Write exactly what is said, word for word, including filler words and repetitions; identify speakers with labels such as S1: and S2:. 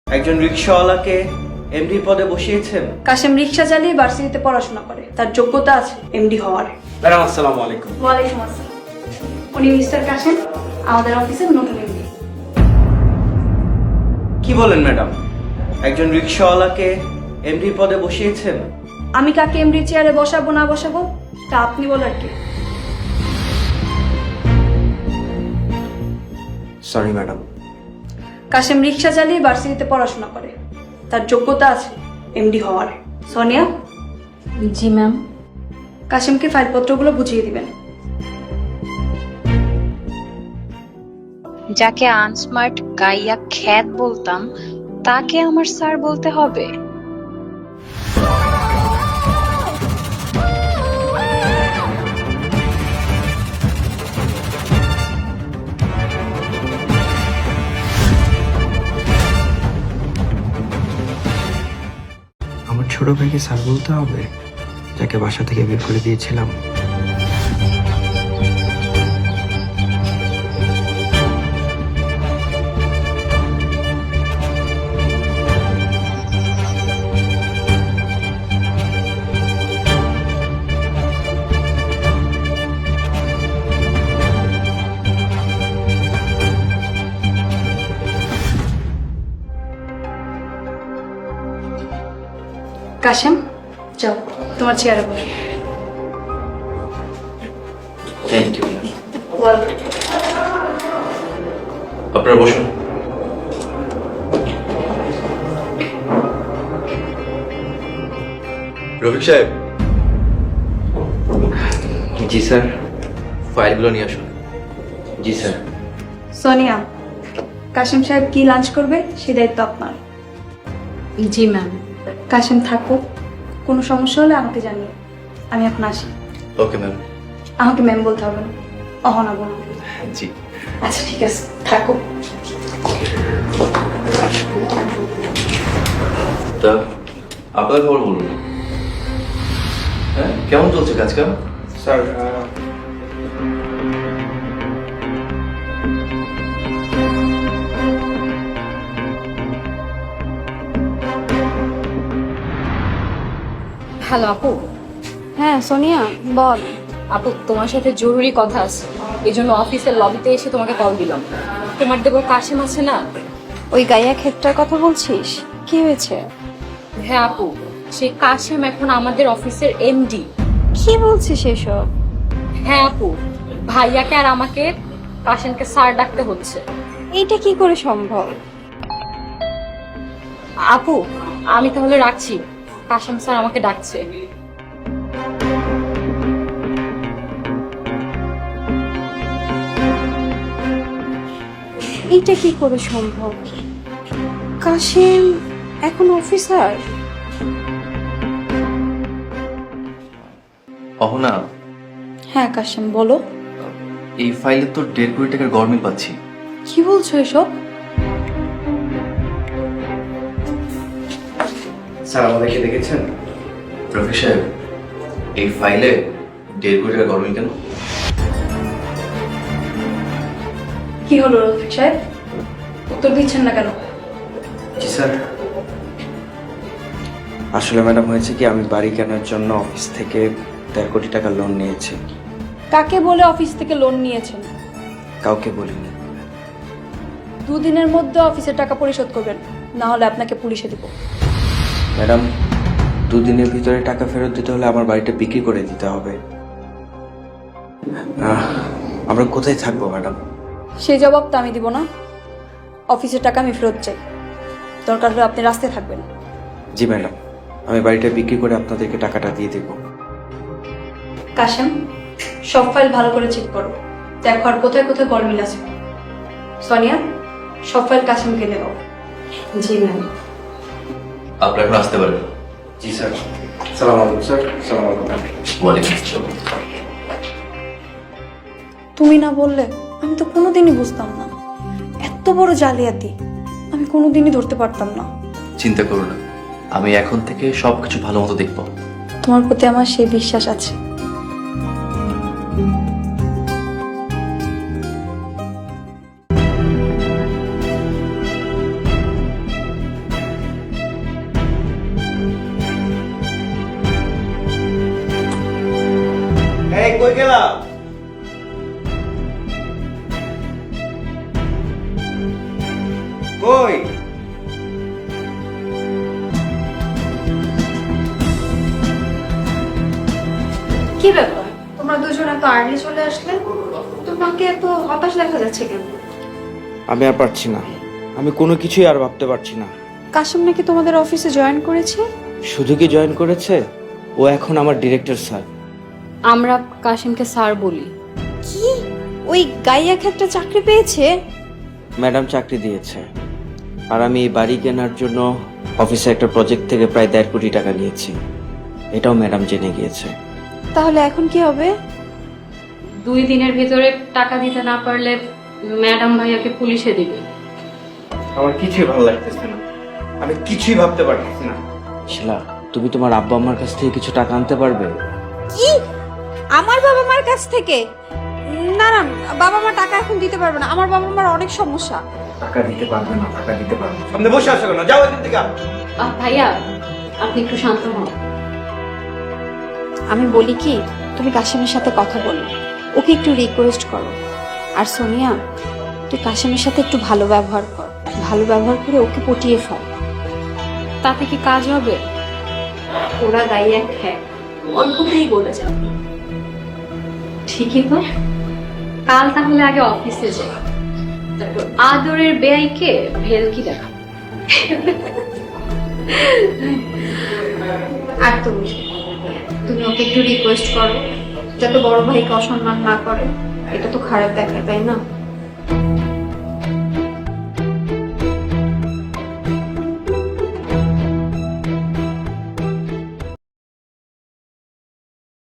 S1: একজন রিকশাওয়ালাকে এমডি পদে বসিয়েছেন।
S2: কাশেম রিক্সা চালিয়ে ভার্সিটিতে পড়াশোনা করে, তার যোগ্যতা আছে এমডি হওয়ার।
S1: ম্যাডাম আসসালামু আলাইকুম।
S2: ওয়ালাইকুম আসসালাম। উনি মিস্টার কাশেম, আমাদের অফিসের নতুন এমডি।
S1: কি বলেন ম্যাডাম, একজন রিকশাওয়ালাকে এমডি পদে বসিয়েছেন?
S2: আমি কাকে এমডি চেয়ারে বসাবো না বসাবো তা আপনি বলার কি?
S1: Sorry madam.
S2: কাশেম রিক্সা চালিয়ে ভার্সিটিতে পড়াশোনা করে, তার যোগ্যতা আছে এমডি হওয়ার। সোনিয়া।
S3: জি ম্যাম।
S2: কাশেমকে ফাইলপত্রগুলো বুঝিয়ে দিবেন।
S3: যাকে আনস্মার্ট গাইয়া খ্যাত বলতাম তাকে আমার স্যার বলতে হবে?
S4: আমার ছোট ভাইকে স্যার বলতে হবে, যাকে বাসা থেকে বের করে দিয়েছিলাম?
S2: কাশেম, যাও তোমার চেয়ারে বসো।
S1: Thank you.
S5: আপনারা বসুন। রফিক সাহেব,
S1: জি স্যার।
S5: ফাইলগুলো নিয়ে আসুন।
S1: জি স্যার।
S2: সোনিয়া, কাশেম সাহেব কি লাঞ্চ করবে সে দায়িত্ব আপনার।
S3: জি ম্যাম।
S2: কাশেম থাকো, কোনো সমস্যা হলে আমাকে জানিয়ে। আমি এখন আসি।
S5: Okay ma'am.
S2: আমাকে ম্যাম বলতে হবে না, অহনা বলুন।
S5: জি।
S2: আচ্ছা ঠিক আছে, থাকো।
S5: তা আপনার খবর বলুন। হ্যাঁ, কেমন চলছে কাজ কাম?
S1: স্যার
S6: হ্যালো আপু।
S2: হ্যাঁ সোনিয়া বল।
S6: আপু তোমার সাথে জরুরি কথা আছে, এই জন্য অফিসের লবিতে এসে তোমাকে কল দিলাম। তোমার দেবো কাশেম আছে না?
S2: ওই গাইয়া ক্ষেত্রের কথা বলছিস? কি হয়েছে?
S6: হ্যাঁ আপু, সেই কাশেম এখন আমাদের অফিসের এমডি।
S2: কি বলছিস এসব?
S6: হ্যাঁ আপু, ভাইয়াকে আর আমাকে কাশেমকে স্যার ডাকতে হচ্ছে।
S2: এইটা কি করে সম্ভব?
S6: আপু আমি তাহলে রাখছি, কাশেম স্যার আমাকে ডাকছে।
S2: এইটা কি করে সম্ভব? কাশেম এখন অফিসার?
S5: অহনা,
S2: হ্যাঁ কাশেম বলো।
S5: এই ফাইলে তো দেড় কোটি টাকার গরমিল পাচ্ছি।
S2: কি বলছো এসব?
S1: স্যার আমাদেরকে দেখেছেন?
S5: রফিক সাহেব, এই ফাইলে দেড় কোটি টাকার গরমিল কেন?
S2: কি হলো রফিক সাহেব, উত্তর দিচ্ছেন না কেন?
S1: জি স্যার। আসলে ম্যাডাম হয়েছে কি, আমি বাড়ি কেনার জন্য অফিস থেকে দেড় কোটি টাকা লোন নিয়েছি।
S2: কাকে বলে অফিস থেকে লোন নিয়েছেন?
S1: কাউকে বলিনি।
S2: দুদিনের মধ্যে অফিসের টাকা পরিশোধ করবেন, না হলে আপনাকে পুলিশে দেব।
S1: ম্যাডাম, দুদিনের ভিতরে টাকা ফেরত দিতে হলে আমার বাড়িটা বিক্রি করে দিতে হবে। আহ, আমরা কোথায় থাকবো ম্যাডাম?
S2: সেই জবাব তো আমি দিব না। অফিসের টাকা আমি ফেরত চাই, দরকার হলে আপনি রাস্তায় থাকবেন।
S1: জি ম্যাডাম, আমি বাড়িটা বিক্রি করে আপনাদেরকে টাকাটা দিয়ে দেব।
S2: কাশেম, সব ফাইল ভালো করে চেক করো, দেখো আর কোথায় কোথায় গরমিল আছে। সোনিয়া, সব ফাইল কাশেমকে দেবো।
S3: জি ম্যাম।
S5: আপনারা এখন আসতে পারেন।
S1: জি স্যার। সালাম আলাইকুম স্যার। সালাম আলাইকুম।
S5: ওয়ালাইকুম আসসালাম।
S2: তুমি না বললে আমি তো কোনোদিনই বুঝতাম না, এত বড় জালিয়াতি আমি কোনোদিনই ধরতে পারতাম না।
S5: চিন্তা করো না, আমি এখন থেকে সবকিছু ভালো মতো দেখবো।
S2: তোমার প্রতি আমার সেই বিশ্বাস আছে।
S1: কই গেলা? কই?
S2: কি ব্যাপার, তোমরা দুজন এত আর্লি চলে আসলে? তোমাকে এত হতাশ দেখা যাচ্ছে কেন?
S1: আমি আর পারছি না, আমি কোনো কিছুই আর ভাবতে পারছি না।
S2: কাশিম নাকি তোমাদের অফিসে জয়েন করেছে?
S1: শুধু কি জয়েন করেছে, ও এখন আমার ডিরেক্টর স্যার।
S6: আমরা কাশিমকে স্যার বলি।
S2: কি, ওই গাইয়া একটা চাকরি পেয়েছে?
S1: ম্যাডাম চাকরি দিয়েছে, আর আমি এই বাড়ি কেনার জন্য অফিসে একটা প্রজেক্ট থেকে প্রায় দেড় কোটি টাকা নিয়েছি, এটাও ম্যাডাম জেনে গিয়েছে।
S2: তাহলে এখন কি হবে?
S6: দুই দিনের ভিতরে টাকা দিতে না পারলে ম্যাডাম ভাইয়াকে পুলিশে দিবে।
S1: আমার কিছুই ভালো লাগতেছে না, আমি কিছুই ভাবতে পারতেছি না। শিলা, তুমি তোমার আব্বা আম্মার কাছ থেকে কিছু টাকা আনতে পারবে?
S2: কি, আমার বাবা মার কাছ থেকে? না না, বাবা মা টাকা এখন দিতে পারবে না, আমার বাবা মার অনেক সমস্যা।
S1: টাকা দিতে পারবে না? টাকা দিতে পারবে না? সামনে বসে আসো না, যাও এখান থেকে।
S6: আহ, ভাইয়া আপনি একটু শান্ত হন।
S2: আমি বলি কি, তুমি কাশিমের সাথে কথা বলো, ওকে একটু রিকোয়েস্ট করো। আর সোনিয়া, তুই কাশিমের সাথে একটু ভালো ব্যবহার কর, ভালো ব্যবহার করে ওকে পটিয়ে ফেল।
S6: তাতে কি কাজ হবে?
S2: ওরা গায়ে এক হ্যাঁ, অল্পতেই বলে যাবে।
S6: ঠিকই তো, কাল তাহলে আগে অফিসে যাই, তারপর আদরের বেয়াইকে ভেলকি দেখা।
S2: আর তুমি তুমি ওকে একটু রিকোয়েস্ট করো যাতে বড় ভাইকে অসম্মান না করে, এটা তো খারাপ দেখায়, তাই না?